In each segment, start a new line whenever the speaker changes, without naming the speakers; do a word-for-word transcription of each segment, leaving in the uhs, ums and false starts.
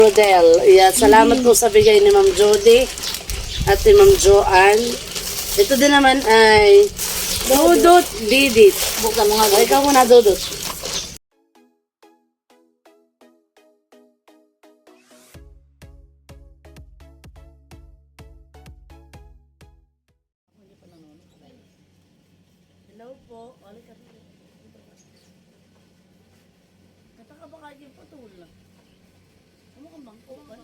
Rodel. Yeah, salamat po sa bigay ni Ma'am Jody at ni Ma'am Joanne. Ito din naman ay Dudut Didit.
Buka mga
Ay, ikaw muna, Dudut. Hello po. Oli ka. Kata ka ba kayo yung patul? Ano ka bang po ba?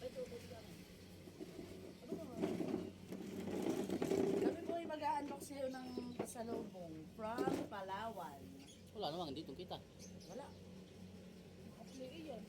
Kami po ay mag-a-unbox sa'yo ng pasalubong from Palawan.
Wala namang dito kita.
Wala. Actually, yan.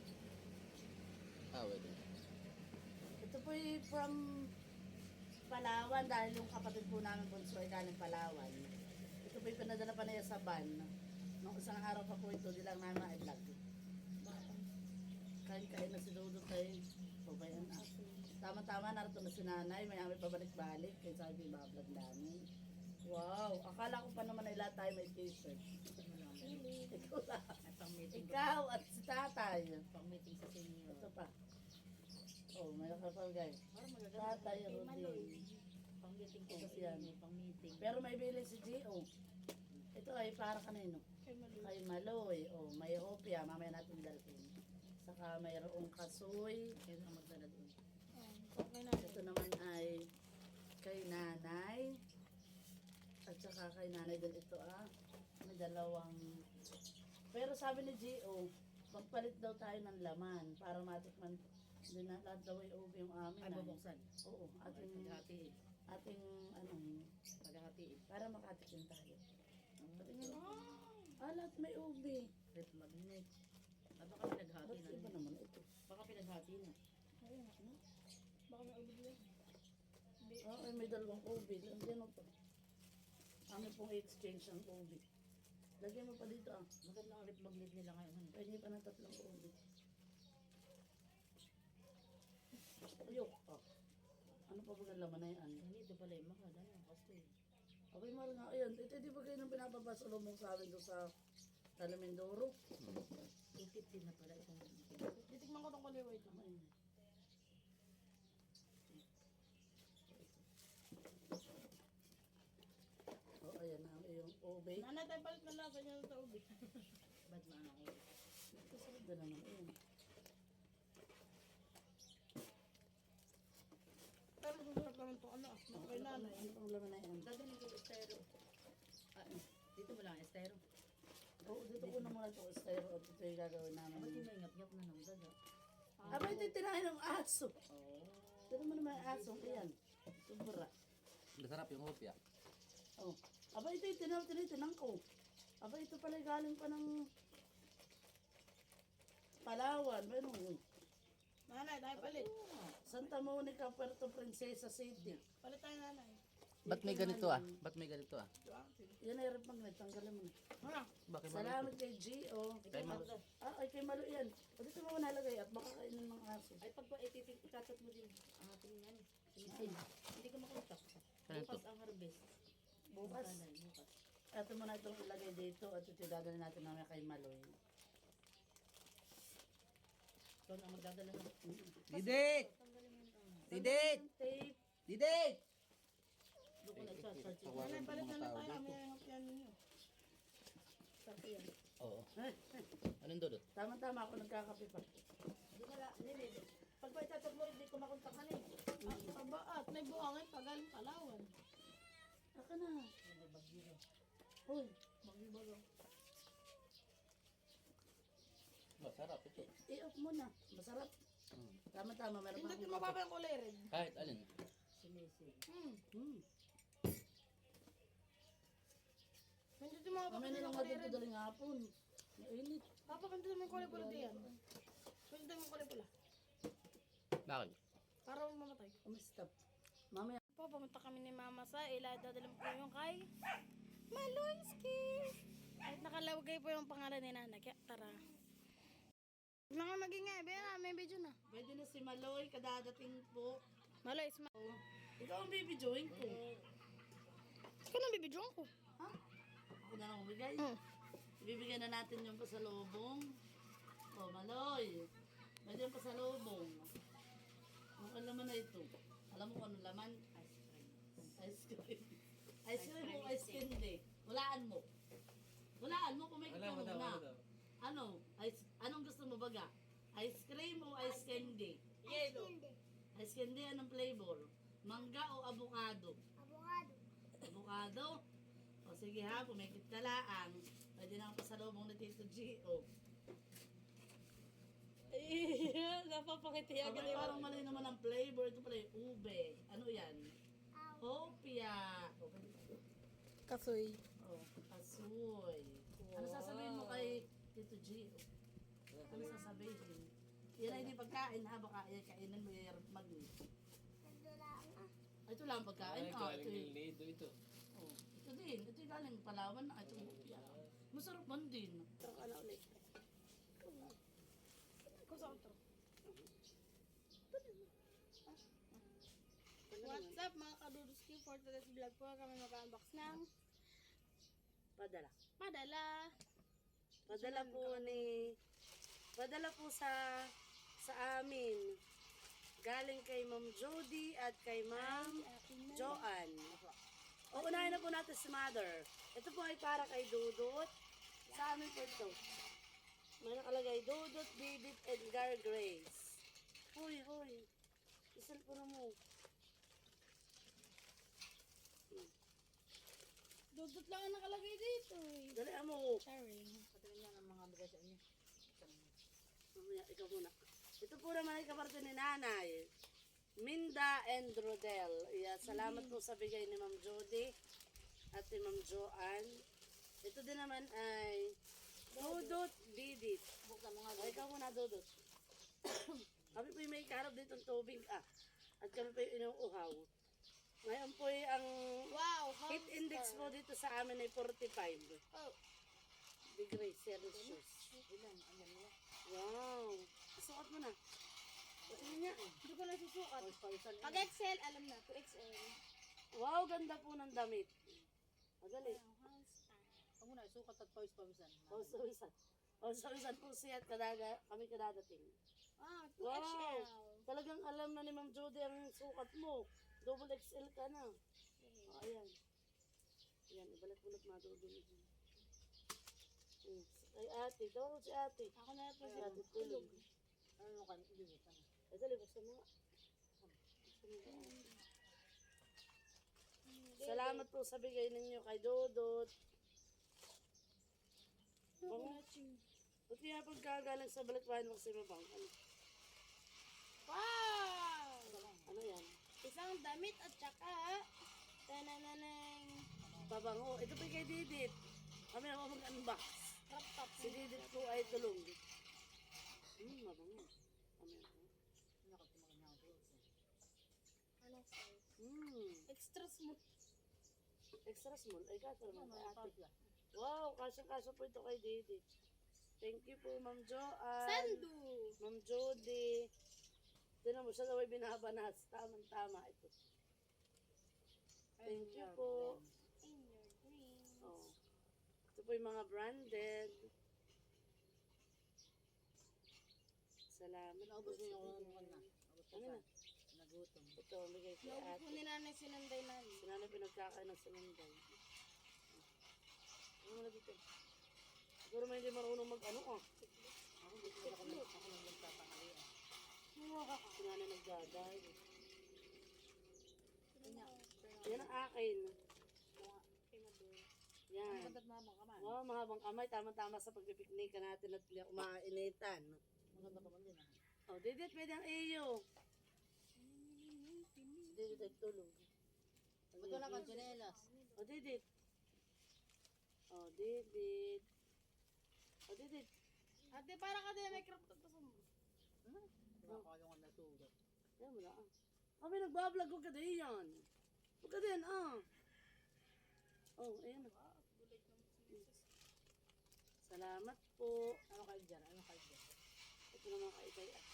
Ah, wait.
Ito po ay from Palawan dahil yung kapatid po namin bunso ay galing Palawan. Ito po ay pinadala pa niya sa van. Nung isang araw pa po ito, di lang namin ma-vlog. Kain-kain na si Dodo kay Pabayan na. Tama-tama, narito na si nanay. May amin pabalik-balik. Kaya sabi, bablog namin. Wow! Akala ko pa naman ay lahat tayo may t-shirt. Ikaw lang. Ikaw at si tatay.
Pang-meeting sa senior.
Ito pa. Oh, may nakapagay. Tatay, Rodin.
Pang-meeting ko
Oh,
sa
yan.
senior. Pang-meeting.
Pero may bilin si Gio. Ito ay para kanino? Kay Maloy. Oh, may hopia. Mamaya natin dalhin. Saka mayroong kasoy.
Kaya na magdala doon.
Ito naman ay kay nanay. At saka kay nanay din ito ah. May dalawang. Pero sabi ni Gio, magpalit daw tayo ng laman para matikman. Hindi na lahat daw ay ubi yung amin.
Ay,
ah.
bubuksan.
Oo, ating,
Paghahatiin.
ating ano,
Paghahatiin.
para makatikim tayo. Patingin. Ah, lahat may ubi.
Red magnet. Ah, baka pinaghati
Ba't
na.
iba naman ito?
Baka pinaghati na.
Ah, ay, may dalawang ubi. Lagyan mo pa. Amin pong exchange ang ubi. Lagyan mo pa dito ah.
Maganda ang red magnet nila ngayon. Ano?
Pwede pa ng tatlong ubi. Ayok. Oh. Ano pa ba ang laman na yan?
Ganito pala yung mahal. Ano? Kasi
Okay, mahal nga. Ayan, ito di ba kayo nang pinapapasalubong sa amin doon sa Talamindoro?
two fifty na pala itong
Titikman ko itong kaliwa ito. Ayun. Oh, ayan na yung ube.
Nanay tayo palit na lasa niya sa ubi.
bad na ano ko.
Kasarap na naman. Ayan.
Pero masarap naman ito, ano,
Oh,
kay
ano,
nanay.
ano pang laman na yan?
Dadalhin ko estero. Ah, dito mo lang estero.
Oo, dito ko na muna ito. Estero at ito yung gagawin
Ba't
namin.
yung may ngap-ngap na nang dada?
Aba, ito yung tinahin ng aso.
Oo.
Ito mo naman ang aso. Ayan. Sobra.
Masarap yung hopya.
Oh. Aba, ito yung tinaw, tinitinang ko. Aba, ito pala galing pa ng Palawan. Ano?
Nanay, tayo palit.
Santa Monica, Puerto Princesa City.
Palit tayo nanay.
Ba't may ganito ah? Ba't may ganito ah?
Yan ay rep magnet. Tanggalin mo na.
Ano?
Bakit
Salamat kay Gio.
Kay Malo.
Ah, ay kay Malo yan. O dito mo nalagay at baka kainin ng aso.
Ay, pag ikatat mo din ang ating yan. Sinisin. Hindi ka makontak. Bukas ang harvest.
Bukas.
Bukas. Bukas.
Ito mo na itong ilagay dito at ito dadalhin natin namin kay Maloy.
Ikaw na ang magdadala ng...
Didit! Didit!
Tape.
Didit!
Doon ko nag-charge.
Nanay, palit na lang tayo. May hapyan ninyo.
Sabi yan.
Oo.
Eh,
Anong dodot?
Tama-tama ako nagkakape pa.
Hindi na lang. Hindi. Pag ba itatat mo, hindi ko makontakan eh.
Ah, aba, at may buhangin pa galing Palawan.
Aka na. Uy,
Bagyo-bago.
Masarap ito.
i-off mo na. Masarap.
Hmm.
Tama-tama, meron pa
Hindi
akong
mababa yung kulay red.
Kahit alin. Sinisin.
Hmm.
Hmm.
Hindi mababa
Mamaya
yung
nilang
kulay
dito
red.
daling hapon. Mainit.
Papa, hindi mo yung kulay pula diyan. Hindi mo yung kulay pula.
Bakit?
Para mamatay.
Umistap. Mamaya.
Po, pumunta kami ni Mama sa ila. Dadalhin po yung kay Maloyski. At nakalagay po yung pangalan ni Nanay. Kaya tara. Huwag na nga maging nga. Bayan na, may video na.
Pwede na si Maloy, kadadating po.
Maloy, isma.
Ikaw ang bibidyoin ko.
Ikaw na bibidyoan ko.
Ha? Ako na lang bigay.
Hmm.
Ibibigyan na natin yung pasalubong. O, Maloy. Pwede yung pasalubong. Ang laman na ito. Alam mo kung ano laman?
Ice cream.
Ice cream. Ice cream o ice candy? Walaan mo. Walaan mo kung may
Wala mo
ikaw
daw,
na.
wala daw.
Ano? Ice, anong gusto mo baga? Ice cream o ice candy?
Yellow.
Ice candy, anong flavor? Mangga o avocado?
Avocado.
Avocado? O sige ha, pumikit ka laang. Pwede na ang pasalubong ni Tito G. O.
Eh, napapakiti agad
Abay,
yung
parang mali naman ang flavor. Ito pala yung ube. Ano yan? Hopia. O, pwede-
kasoy.
o, asoy. Ano sasabihin mo kay Tito G? Ano sasabihin? Yan ay hindi pagkain ha. Baka yan kainan mo yung magni. Ito lang ang pagkain.
Ay,
Ah,
galing
ito, yung-
ng lido ito.
oh, ito din. Ito yung galing Palawan na. Ito yung hopia. Masarap man din.
Tara ka na ulit. Kusa ko to. What's up mga kaduduski? For today's vlog po kami mag-unbox ng
Padala.
padala.
Padala po ni Padala po sa sa amin. Galing kay Ma'am Jody at kay Ma'am Joanne. O unahin na po natin si Mother. Ito po ay para kay Dudut. Sa amin po ito. May nakalagay Dudut, Didit, Edgar Grace. Hoy, hoy. Isal po na mo.
Dudot lang ang nakalagay dito eh.
Dali mo.
Sorry.
Patingin niya ng mga bigas niya.
Mamaya, ikaw muna. Ito po naman ay kaparte ni Nanay. Minda and Rodel. Yeah, salamat po sa bigay ni Ma'am Jody at ni Ma'am Joanne. Ito din naman ay Dudut Didit.
Buksan mo nga.
O, ikaw muna, Dudut. Kami po yung may karap dito ng tubig. Ah, at kami po yung inuuhaw. Ngayon po yung ang
Wow,
heat index po dito sa amin ay forty-five
Oh,
degrees Celsius.
Ilan? Ayan mo.
Wow. Sukat mo na. Tingnan niya.
hindi ko na susukat.
Pag
Pag X L, alam na, two X L.
Wow, ganda po ng damit. Madali.
Huwag mo na, isukat at pawis-pawisan.
Pausawisan. Pausawisan po siya at kadaga, kami kadadating.
Ah, two
Wow.
X L.
Talagang alam na ni Ma'am Jody ang sukat mo. Double X L ka na. Oh, ayan. Ayan, ibalik-bulat madudulog. Hmm. Kay ate, daw si ate.
Ako na po
Si ate tulog.
Ano ka? Ilimit. Ano?
Ay, dali, buksan mo nga. Buksan mo nga, ate. Salamat po sa bigay ninyo kay Dodot. Bango. Ba't kaya pagkagaling sa balikbayan mo kasi mabang? Ano,
Wow!
ano yan?
Isang damit at saka tanananang
Babango. Ito po kay Didit. Kami ako mag-unbox.
crop top.
Si Didit po ay tulong. Hmm, mabango. Kami ako.
Ano ka? Tumakan niya ako.
Anong size?
Hmm.
Extra smooth.
Extra small. Ay, kato
Ano
naman kay
mga
ate.
pawis yan?
Wow, kasya-kasya po ito kay Didit. Thank you po, Ma'am Joanne.
Sandu.
Ma'am Jody. Tinan mo, siya daw ay binabanas. Tamang-tama ito. Thank you po.
In your dreams.
Oh. Ito po yung mga branded. Salamat.
Naubos mo yung ano ka na. Naubos
Ano
ka
na?
na. Nagutom.
Ito, bigay kay
Naubos
ate.
po ni nanay sinanday namin.
Sinanay pinagkakain ng sinunday. Ano mo na dito? Siguro may hindi marunong mag-ano ah.
Ako dito na ako lang. Ako lang nagtatangali.
Sinanay nagdaday.
Kanya.
Yan ang akin.
Kay Maduro.
Ang
Yan.
ganda na mga kaman.
Wow, mahabang kamay. Tama-tama sa pagpipiknika natin at umainitan.
Maganda ka man din ah.
Oh, Didit, pwede ang iyo. Si Didit ay tulog.
Ba't wala kang tsinelas?
Oh, Didit. Oh, Didit. Oh, Didit.
Ate, para ka din may crop top sa mo.
Wala ka yung natugot.
Yan mo na ah. Kami nagbablog, huwag ka din yan. Huwag ka din ah. Oh, ayan na. Salamat po.
Ano kayo dyan? Ano kayo dyan?
Ito naman kay Ikay ah.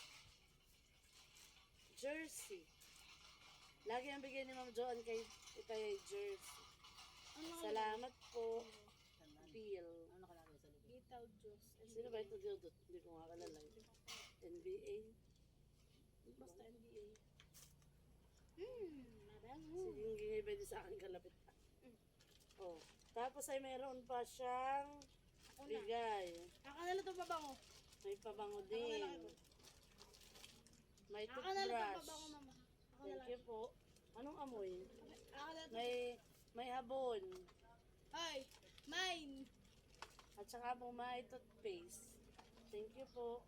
Jersey. Lagi ang bigay ni Ma'am Joanne kay Ikay ay jersey.
Ano ka?
Salamat po.
Sandaan.
Bill.
Ano nakalagay sa likod?
Gitaw juice.
Sino ba ito, Dudut? Hindi ko nga kalala. N B A.
Basta N B A. Hmm, madam.
Sige, hindi pwede sa akin kalapit. Oh. Tapos ay meron pa siyang
Ako na.
bigay.
Ako na lang itong pabango.
May pabango
Ako na lang
din.
ito.
May
Ako na lang itong
toothbrush.
pabango, mama. Ako na
Thank
lang.
you po. Anong amoy?
Ako na lang.
May may habon.
Ay, mine.
At saka po may toothpaste. Thank you po.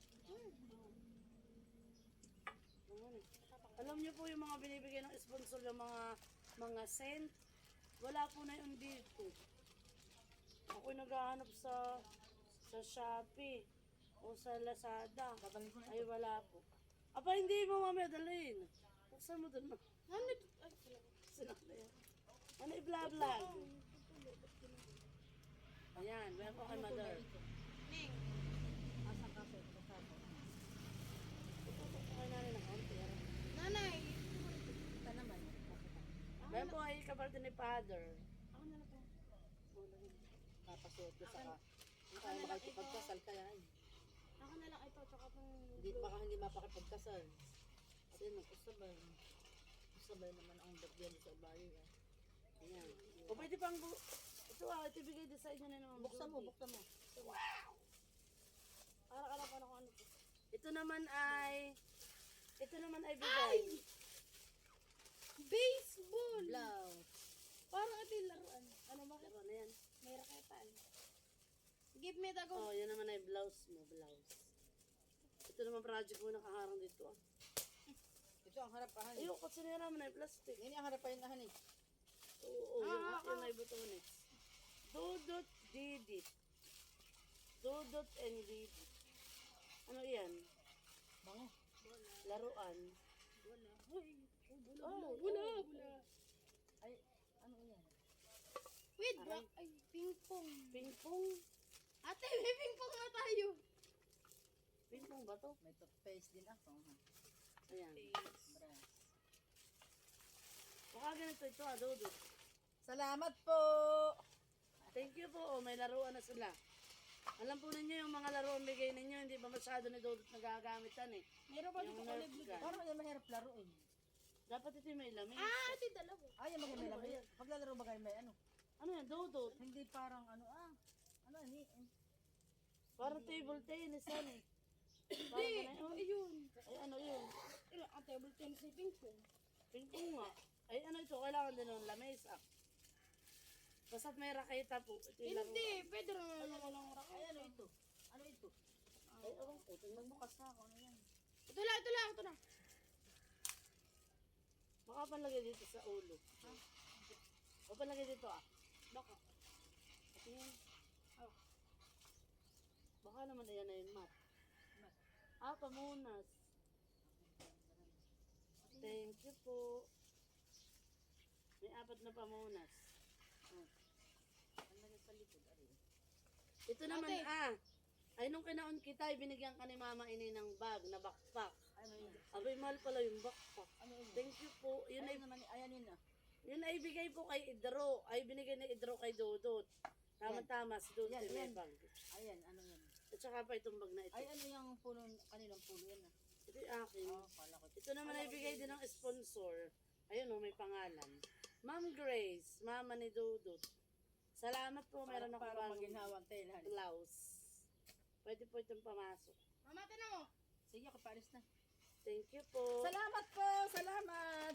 Ayan eh. Alam niyo po yung mga binibigay ng sponsor ng mga mga scent. Wala po na yun dito. Ako'y naghahanap sa sa Shopee o sa Lazada. Ay wala po. Aba hindi mo mamaya dalhin. Buksan mo dun ma.
Ano ito? Ay,
Sinakla yan. Ano i-vlog-vlog? Ayan, meron po kay mother.
Ning.
Okay na rin ang konti.
Nanay.
Meron po ay kapatid ni father.
Ako na lang ito.
Papasuot ko sa ka. Hindi tayo makikipagkasal kaya eh.
Ako na lang ito. Tsaka itong
Hindi, baka hindi mapakipagkasal.
Sino?
Sabay. Sabay naman ang bagyan sa bayo eh.
Ayan. O pwede pang bu- ito ah, ito bigay din sa inyo na naman.
Buksan mo, buksan mo.
Ara-ara pa na kung ano ito.
Ito naman ay, ito naman ay bigay.
Baseball!
Blouse.
Parang ito yung laruan. Ano ba?
Laro na yan.
May raketan. Give me the go.
Oh, yan naman ay blouse mo, blouse. Ito naman project mo nakaharang dito ah.
Ito ang harapahan.
Ayun, kasi nila naman ay plastic.
Yan yung harapahan na hani.
Oo, yung,
Ah,
yung ay butones. Dudot didit. Dudot and didit. Ano yan?
Bango.
Laruan.
Wala. Hoy. Oh,
Oh,
wala.
oh.
Wala.
Ay, ano yan?
Wait,
Aray.
bra. Ay, ping-pong.
Pingpong.
Ate, may ping-pong na tayo.
Pingpong ba to?
May toothpaste din ako. Ha?
Ayan.
Brass.
Baka ganito ito ah, Dudot.
Salamat po!
Thank you po. Oh, may laruan na sila. Alam po ninyo yung mga laruan bigay ninyo, hindi ba masyado ni Dudot nagagamitan eh.
Meron pa dito
Yung
kulay
Nerf
blue.
gun.
Parang yan mahirap laruin.
Dapat ito yung may lamin.
Ah, ito yung dalawa.
Ay, yung maganda lang. Paglalaro ba kayo may ano?
Ano yan, Dudot?
Hindi parang ano ah. Ano ni?
Parang table tennis yan eh.
Hindi.
Parang ganun.
Ayun.
Ay ano yun?
Ilan ang table tennis ni ping-pong.
Pingpong nga. Ay ano ito, kailangan din ng lamesa. Basta't may raketa po. Ito yung laruan.
Hindi. Pwede rin naman walang raket.
Ay, ano ito? Ano ito?
Ay, ewan ko. Tingnan mo kasi ako. Ano yan?
Ito lang, ito lang, ito na.
Baka panlagay dito sa ulo. O panlagay dito ah.
Baka.
Ito yan. Baka naman ayan na yun, mat. Ah, pamunas. Thank you po. May apat na pamunas. Oh.
Ano sa likod? Ari.
Ito naman
Ate.
ah. Ay nung kinaon kita, binigyan ka ni mama ini ng bag na backpack.
Ano yun?
Abay, mahal pala yung backpack.
Ano yun?
Thank you po. Yun ay,
Ayun naman, ayan yun ah.
yun ay bigay po kay Idro. Ay binigay ni Idro kay Dodot. Tama-tama, si Dodot
Yan,
ay may
yan.
bag.
Ayan, ano yan?
At saka pa itong bag na ito.
Ay, ano yung puno, kaninang puno yan ah.
Ito yung akin.
Oh, kala ko.
Ito naman ay bigay din ng sponsor. Ayun oh, may pangalan. Ma'am Grace, mama ni Dodot. Salamat po, meron ako
Parang
bagong
maginhawang tail. Hani.
blouse. Pwede po itong pamasok.
Mama, tinan mo.
Sige, ako paalis na.
Thank you po.
Salamat po! Salamat!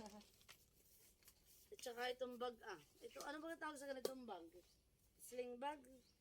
At saka itong bag ah. Ito, ano ba tawag sa ganitong bag? Sling bag.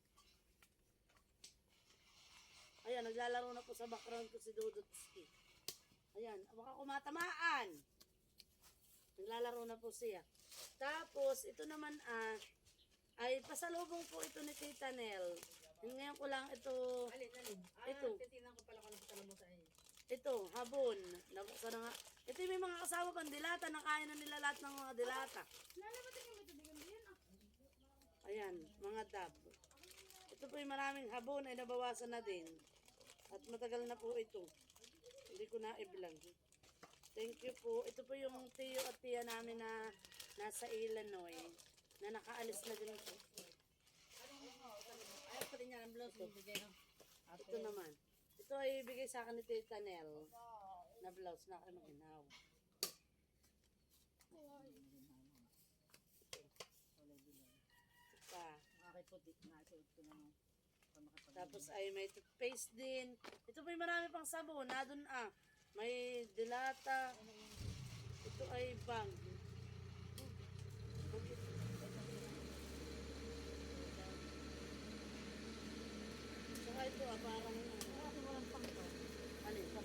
Ayan, naglalaro na po sa background ko si Dudutski. Ayan, baka kumatamaan. Naglalaro na po siya. Tapos, ito naman ah, ay pasalubong po ito ni Tita Nel. Yung ngayon ko lang ito,
Alin, alin. Ah,
Ito.
titinan ko pala kung ano sa mo sa iyo.
ito, habon. Nabuksan na nga. Ito yung may mga kasama pang dilata. Nakain na nila lahat ng mga dilata.
Lalabatin yung ito. Bigyan din ah.
Ayan, mga dab. Ito po yung maraming habon ay nabawasan na din. At matagal na po ito. Hindi ko na i-vlog. Thank you po. Ito po yung tiyo at tiya namin na nasa Illinois. Na nakaalis na din po.
Ayaw pa rin yan ang blouse mo bigay no?
Ito naman. Ito ay bigay sa akin ni Tita Nel na blouse na aking mag-inaw. Ito pa.
Aking puti nga, suot ko na nung pamakapag.
Tapos ay may toothpaste din. Ito pa marami pang sabon. Na doon ah. May dilata. Ito ay bang. Saka ito ah, parang
Kasi walang pang to.
ano yun?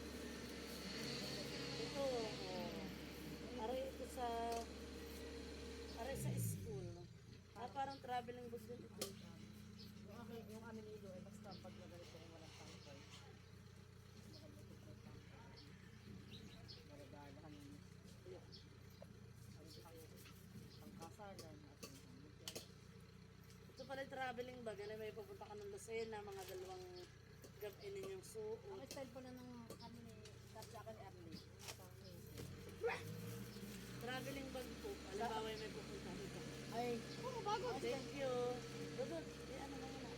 Ito, oh. Aray ito sa aray sa school. Ah, parang traveling bag din ito.
Yung aking, yung amin ni Ilo, eh basta pag nagalito ay walang pang to. Nagalito ko pang to. Maladalahan yung iyo. Ano di kayo? Pangkasalan at yung pangkasal.
Ito pala yung traveling bag. Ano, may pupunta ka ng Lucena, mga dalawang gabi ninyong suot.
Ang style pala ng amin ni sabi sa akin early.
Traveling bag po. Halimbawa yung may pupunta dito.
Ay, oh, bago.
Thank you. Dudut, eh ano na muna.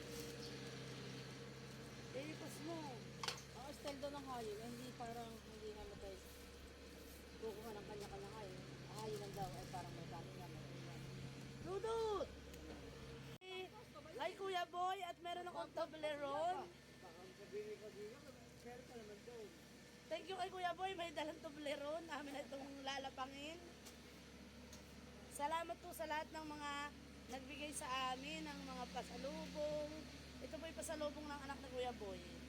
Eh, ipas mo.
Ang style daw ng hayo, hindi parang hindi namatay. Kukuha ng kanya-kanya hayo. Ang hayo lang daw ay parang may kanin nga, may ulan.
Dudut! Eh, Hi Kuya Boy, at meron akong Toblerone. Thank you kay Kuya Boy, may dalang Toblerone. Amin na itong lalapangin. Salamat po sa lahat ng mga nagbigay sa amin ng mga pasalubong. Ito po yung pasalubong ng anak ni Kuya Boy.